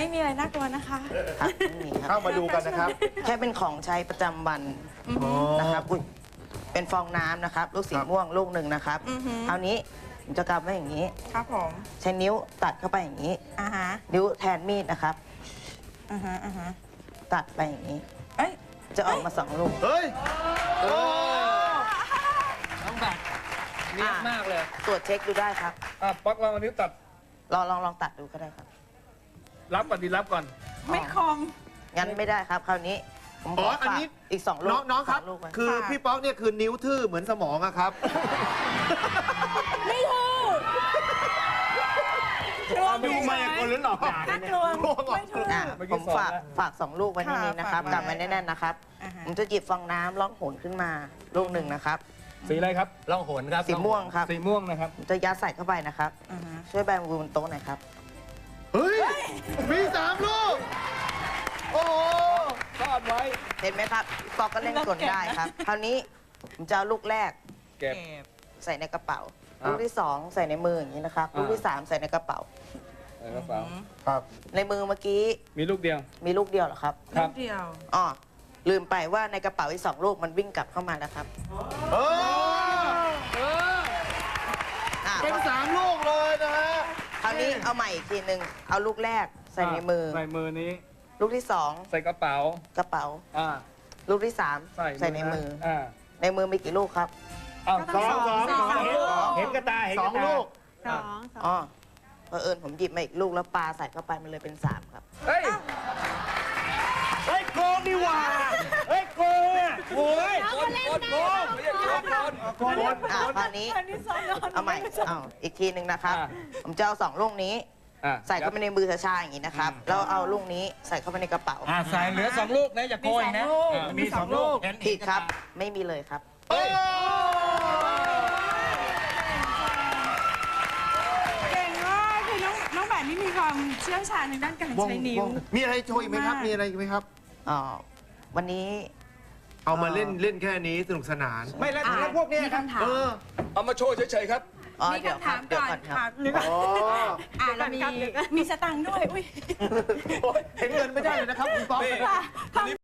ไม่มีอะไรน่ากลัวนะคะครับไม่มีครับเข้ามาดูกันนะครับแค่เป็นของใช้ประจำวันนะครับอุ๊ยเป็นฟองน้ำนะครับ ลูกสีม่วงลูกหนึ่งนะครับคราวนี้ผมจะกำไว้อย่างนี้ครับผมใช้นิ้วตัดเข้าไปอย่างนี้ฮะนิ้วแทนมีดนะครับฮะตัดไปอย่างนี้เอ้ยจะออกมา2 ลูกเฮ้ย โอ้น้องแบบเนียบมากเลยตรวจเช็คดูได้ครับป๊อกลองอันนี้ตัดลองตัดดูก็ได้ครับรับก่อนดีรับก่อนไม่คมงั้นไม่ได้ครับ คราวนี้ผมขอ๋อออันฝากนี้อีก2 ลูกน้องครับ 2 ลูกไว้คือค่ะพี่ป๊อกเนี่ยคือนิ้วทื่อเหมือนสมองอะครับไม่ถูกดูมายากลหรือหลอกด่าน่ากลัวไม่ถูกอ่ะเมื่อกี้ผมสอนฝาก 2 ลูกไว้ที่นี่นะครับค่ะกำไว้แน่นๆนะครับ ผมจะหยิบฟองน้ำล่องหนขึ้นมาลูกหนึ่งนะครับสีอะไรครับล่องหนครับสีม่วงครับสีม่วงนะครับผมจะยัดใส่เข้าไปนะครับ ช่วยแบมือบนโต๊ะหน่อยครับเฮ้ย มี3 ลูก โอ้โหซ่อนไว้เห็นไหมครับปอกก็เล่นกลได้ครับ คราวนี้ผมจะเอาลูกแรกเก็บใส่ในกระเป๋าครับลูกที่ 2 ใส่ในมืออย่างนี้นะครับ ลูกที่ 3 ใส่ในกระเป๋าใส่กระเป๋าครับในมือเมื่อกี้มีลูกเดียวมีลูกเดียวเหรอครับครับเดียวอ๋อลืมไปว่าในกระเป๋าอีก2 ลูกมันวิ่งกลับเข้ามาแล้วครับเอออ่ะเป็น 3 ลูกเลยนะฮะคราวนี้เอาใหม่อีกทีหนึ่งเอาลูกแรกใส่ในมือใส่มือนี้ลูกที่ใส่กระเป๋า 2 กระเป๋าอ่าลูกที่ 3 ใส่ในมืออ่าในมือมีกี่ลูกครับอ้าวก็ต้องสองสองเห็นกระตาเห็นกระ 2 ตาลูกอ๋อเผอิญผมหยิบมาอีกลูกแล้วปลาใส่เข้าไปมันเลยเป็น 3 ครับเฮ้ย เฮ้ยโกงดีหว่า เฮ้ยโกงอ่ะโอ้ยโกงโกงไม่ใช่โกงโกงอ่ะคราวนี้อันนี้ซ้อนนอนเอาใหม่เอาอีกทีหนึ่งนะครับอ่ะผมจะเอา2 ลูกนี้อ่ะใส่เข้าไปในมือช้าๆอย่างนี้นะครับ แล้วเอาลูกนี้ใส่เข้าไปในกระเป๋าใส่เหลือ2 ลูกนะอย่าโกยนะมีสองลูกผิดครับ ไม่มีเลยครับเฮ้ยเก่งมากคือน้องแบบนี้มีความเชี่ยวชาญในด้านการใช้นิ้วมีอะไรโชว์อีกไหมครับมากมีอะไรอีกไหมครับอ๋อ วันนี้เอามาเล่นแค่นี้สนุกสนานไม่แล้วพวกเนี้ยมีครับคำถามเออเอามาโชว์เฉยๆครับอ๋อมีเดี๋ยวคำครัถาบมเดี๋ยวก่อนก่อนครับค่ะอ๋อเรามีสตังค์ด้วย อุ้ยเห็นเงินไม่ได้เลยนะครับคุณป๊อกนี่